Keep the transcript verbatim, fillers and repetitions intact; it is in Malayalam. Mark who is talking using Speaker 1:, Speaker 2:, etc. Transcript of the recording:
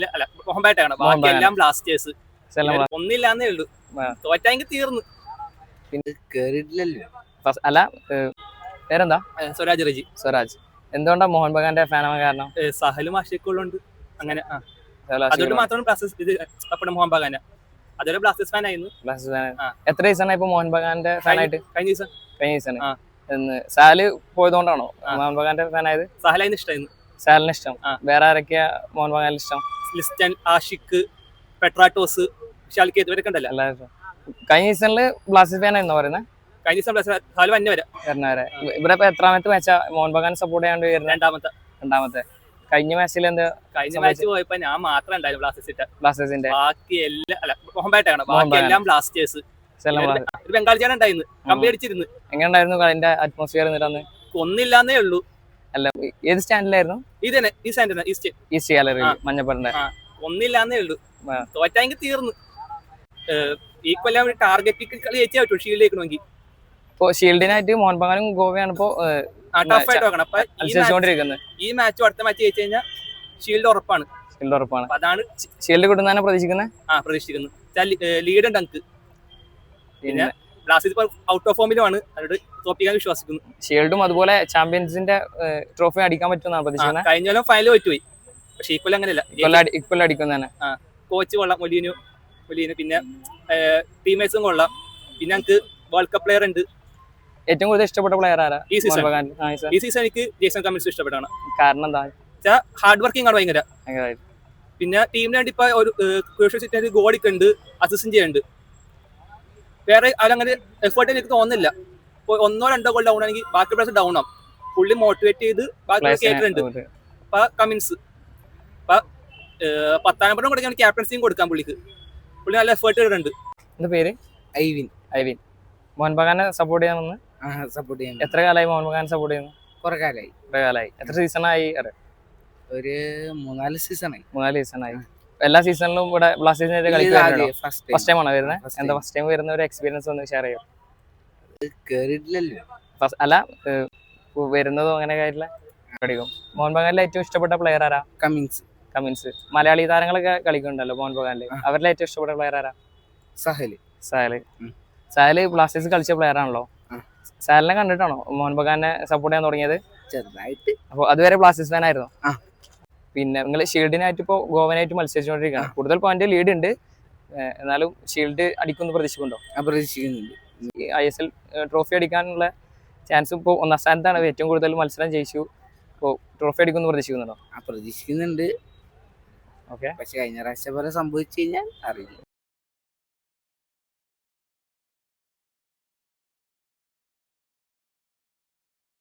Speaker 1: അല്ല മോഹൻ ബാഗാണ്. ബാക്കി എല്ലാം ബ്ലാസ്റ്റേഴ്സ്. ഒന്നില്ലാന്നേ ഉള്ളൂ. തോറ്റാങ്കിൽ തീർന്നു.
Speaker 2: പിന്നെ കേറിയിട്ടില്ലല്ലോ.
Speaker 3: അല്ല പേരെന്താ?
Speaker 1: സ്വരാജ് റജി.
Speaker 3: സ്വരാജ്. എന്തുകൊണ്ടാ മോഹൻ ബഗാന്റെ ഫാനാവാൻ കാരണം?
Speaker 1: സഹലും ആഷിക്കുള്ളുണ്ട്. അങ്ങനെ അതുകൊണ്ട് മാത്രം ബ്ലാസ്റ്റേഴ്സ് ഇത് ഇഷ്ടപ്പെടും മോഹൻ ബഗാന. അതൊരു ബ്ലാസ്റ്റേഴ്സ് ഫാൻ ആയിരുന്നു.
Speaker 3: Blasters fan. എത്ര സീസണായി ഇപ്പൊ മോഹൻ ബഗാന്റെ ഫാനായിട്ട്?
Speaker 1: കഴിഞ്ഞ സീസൺ.
Speaker 3: കഴിഞ്ഞ സീസൺ. സാല് പോയതുകൊണ്ടാണോ മോഹൻ ബഗാന്റെ ഫാൻ ആയത്?
Speaker 1: സഹലായിരുന്നു ഇഷ്ടമായിരുന്നു.
Speaker 3: സാലിന് ഇഷ്ടം. വേറെ ആരൊക്കെയാ മോഹൻ ബഗാനിൽ ഇഷ്ടം?
Speaker 1: ലിസ്റ്റൻ, ആഷിഖ്, പെട്രാട്ടോസ്, ഷാൽക്കെ ഇവരൊക്കെ ഉണ്ടല്ലോ.
Speaker 3: കഴിഞ്ഞ സീസണില് ബ്ലാസ്റ്റേഴ്സ് ഫാൻ ആയിരുന്നു പറയുന്നത്.
Speaker 1: കഴിഞ്ഞ സീസൺ സാല് വന്നെ വരെ
Speaker 3: വരെ ഇവിടെ ഇപ്പൊ എത്രാമത്തെ മാച്ചാ മോഹൻ ബഗാൻ സപ്പോർട്ട് ചെയ്യാണ്ട് വരുന്നത്?
Speaker 1: രണ്ടാമത്തെ.
Speaker 3: രണ്ടാമത്തെ. കഴിഞ്ഞ മാച്ചിൽ എന്താ?
Speaker 1: കഴിഞ്ഞ മാച്ച് പോയപ്പോ ഞാൻ മാത്രം ഉണ്ടായിരുന്നു ബ്ലാസ്റ്റേഴ്സിന്റെ.
Speaker 3: ബ്ലാസ്റ്റേഴ്സിന്റെ
Speaker 1: ബാക്കി എല്ലാം അല്ല മോഹൻ ബാഗാണ്. ബാക്കി എല്ലാം ബ്ലാസ്റ്റേഴ്സ്. ഒരു ബംഗാൾ ചേട്ടൻ ഉണ്ടായിരുന്നു. കമ്പി അടിച്ചിരുന്നു.
Speaker 3: എങ്ങനെ ഉണ്ടായിരുന്നു അതിന്റെ അറ്റ്മോസ്ഫിയർ?
Speaker 1: ഒന്നില്ലാന്നേ ഉള്ളൂ.
Speaker 3: അല്ല ഏത് സ്റ്റാൻഡിലായിരുന്നു?
Speaker 1: ഇത് തന്നെ ഈ സ്റ്റാൻഡ് ഈസ്റ്റ്
Speaker 3: ഈസ്റ്റ് ഗാലറി മഞ്ഞപ്പറിന്റെ.
Speaker 1: ഒന്നില്ലാന്നേ ഉള്ളൂ. തോറ്റാങ്കിൽ തീർന്നു. ഈ കൊല്ലം ടാർഗറ്റ് കളി ജയിച്ചേ പറ്റൂ ഷീൽഡ് ജയിക്കണമെങ്കിൽ.
Speaker 3: ഇപ്പൊ ഷീൽഡിനായിട്ട് മോഹൻ ബഗാനും ഗോവയാണ് ഇപ്പോ മത്സരിച്ചുകൊണ്ടിരിക്കുന്നത്.
Speaker 1: ഈ മാച്ചും അടുത്ത മാച്ച് ജയിച്ചു കഴിഞ്ഞാൽ ഷീൽഡ് ഉറപ്പാണ്.
Speaker 3: ഷീൽഡ് ഉറപ്പാണ്.
Speaker 1: അതാണ്
Speaker 3: ഷീൽഡ് കിട്ടുന്നതാണ് പ്രതീക്ഷിക്കുന്നത്.
Speaker 1: ആ പ്രതീക്ഷിക്കുന്നത്. ലീഡ് ഉണ്ട് നമുക്ക്. പിന്നെ ബ്ലാസ്റ്റേഴ്സ് ഔട്ട് ഓഫ് ഫോമിലുമാണ്. അവരോട് തോപ്പിക്കാൻ വിശ്വസിക്കുന്നു.
Speaker 3: ഷീൽഡും അതുപോലെ ചാമ്പ്യൻസിന്റെ ട്രോഫി അടിക്കാൻ പറ്റുമെന്നാണ് പ്രതീക്ഷിക്കുന്നത്.
Speaker 1: കഴിഞ്ഞ കൊല്ലം ഫൈനൽ പറ്റുപോയി. പക്ഷെ ഈ കൊല്ലം അങ്ങനെയല്ല.
Speaker 3: ഇക്കൊല്ലം അടിക്കുന്നതാണ്.
Speaker 1: ആ കോച്ച് കൊള്ളാം. മൊലീനു മൊലീനു പിന്നെ ടീമേഴ്സും കൊള്ളാം. പിന്നെ ഞങ്ങൾക്ക് വേൾഡ് കപ്പ് പ്ലെയർ ഉണ്ട്.
Speaker 3: ഏറ്റവും കൂടുതൽ ഇഷ്ടപ്പെട്ട പ്ലെയർ ആരാ
Speaker 1: ഈ സീസൺ? ഈ സീസൺ എനിക്ക് ജേസൺ കമ്മിൻസ് ഇഷ്ടപ്പെട്ടാണ്.
Speaker 3: കാരണം എന്താ?
Speaker 1: ഹാർഡ് വർക്കിംഗ് ആണ് ഭയങ്കര. പിന്നെ ടീമിന് വേണ്ടി ഇപ്പൊ ഒരു ഗോളിക്ക് ഉണ്ട്, അസിസ്റ്റന്റ് ചെയ്യുന്നുണ്ട്. വേറെ അവരങ്ങനെ എഫേർട്ട് എനിക്ക് തോന്നുന്നില്ല. ഇപ്പൊ ഒന്നോ രണ്ടോ ഗോൾ ഡൗൺ ആണെങ്കിൽ ബാക്കി പ്ലേയേഴ്സ് ഡൗൺ ആവും. പുള്ളി മോട്ടിവേറ്റ് ചെയ്ത് ബാക്കി കേട്ടിട്ടുണ്ട്. അപ്പൊ കമ്മിൻസ് അപ്പൊ പത്താം നമ്പറും കൊടുക്കാൻ ക്യാപ്റ്റൻസിയും കൊടുക്കാം പുള്ളിക്ക്. പുള്ളി നല്ല എഫേർട്ട് ഇടുന്നുണ്ട്.
Speaker 3: എന്താ പേര്?
Speaker 2: ഐവിൻ.
Speaker 3: ഐവിൻ. മോഹൻ ബഗാനെ സപ്പോർട്ട് ചെയ്യാമെന്ന്
Speaker 2: സപ്പോർട്ട് ചെയ്യാൻ
Speaker 3: എത്ര കാലമായി മോഹൻ ബഗാൻ സപ്പോർട്ട് ചെയ്യുന്നു?
Speaker 2: കുറെ കാലമായി.
Speaker 3: കുറെ കാലമായി. എത്ര സീസണായി?
Speaker 2: ഒരു മൂന്നാല് സീസണായി.
Speaker 3: മൂന്നാല് സീസണായി. എല്ലാ സീസണിലും ഇവിടെ ബ്ലാസ്റ്റേഴ്സിന്റെ കളിക്കാരുണ്ടോ? ഫസ്റ്റ് ടൈം ആണോ വരുന്നത്? എന്താ ഫസ്റ്റ് ടൈം വരുന്ന ഒരു എക്സ്പീരിയൻസ് ഒന്ന് ഷെയർ ചെയ്യോ?
Speaker 2: കേറിയിട്ടില്ലല്ലോ.
Speaker 3: അല്ല വരുന്നതോ അങ്ങനെ കാര്യമില്ല. കളിക്കും. മോഹൻ ബഗാനിലെ ഏറ്റവും ഇഷ്ടപ്പെട്ട പ്ലെയർ ആരാ?
Speaker 2: കമ്മിൻസ്.
Speaker 3: കമ്മിൻസ്. മലയാളി താരങ്ങളൊക്കെ കളിക്കുന്നുണ്ടല്ലോ മോഹൻ ബഗാനില്. അവരിലെ ഏറ്റവും ഇഷ്ടപ്പെട്ട പ്ലെയർ ആരാ?
Speaker 2: സഹല്.
Speaker 3: സഹല്. സഹല് ബ്ലാസ്റ്റേഴ്സ് കളിച്ച പ്ലെയർ ആണല്ലോ. സഹലിനെ കണ്ടിട്ടാണോ മോഹൻ ബഗാനെ സപ്പോർട്ട് ചെയ്യാൻ തുടങ്ങിയത്?
Speaker 2: ചെറുതായിട്ട്.
Speaker 3: അപ്പൊ അതുവരെ ബ്ലാസ്റ്റേഴ്സ് ഫാൻ ആയിരുന്നു. പിന്നെ നിങ്ങൾ ഷീൽഡിനായിട്ട് ഇപ്പോൾ ഗോവനായിട്ട് മത്സരിച്ചുകൊണ്ടിരിക്കുകയാണ്. കൂടുതൽ പോയിന്റ് ലീഡ് ഉണ്ട്. എന്നാലും ഷീൽഡ് അടിക്കുമെന്ന് പ്രതീക്ഷിക്കുന്നുണ്ടോ?
Speaker 2: പ്രതീക്ഷിക്കുന്നുണ്ട്.
Speaker 3: ഐ എസ് എൽ ട്രോഫി അടിക്കാനുള്ള ചാൻസ് ഇപ്പോൾ ഒന്നാം സ്ഥാനത്താണ്. ഏറ്റവും കൂടുതൽ മത്സരം ജയിച്ചു. ഇപ്പോൾ ട്രോഫി അടിക്കുമെന്ന് പ്രതീക്ഷിക്കുന്നുണ്ടോ?
Speaker 2: പ്രതീക്ഷിക്കുന്നുണ്ട്.
Speaker 3: ഓക്കെ.
Speaker 2: പക്ഷെ കഴിഞ്ഞ പ്രാവശ്യം പോലെ സംഭവിച്ചു കഴിഞ്ഞാൽ അറിയില്ല.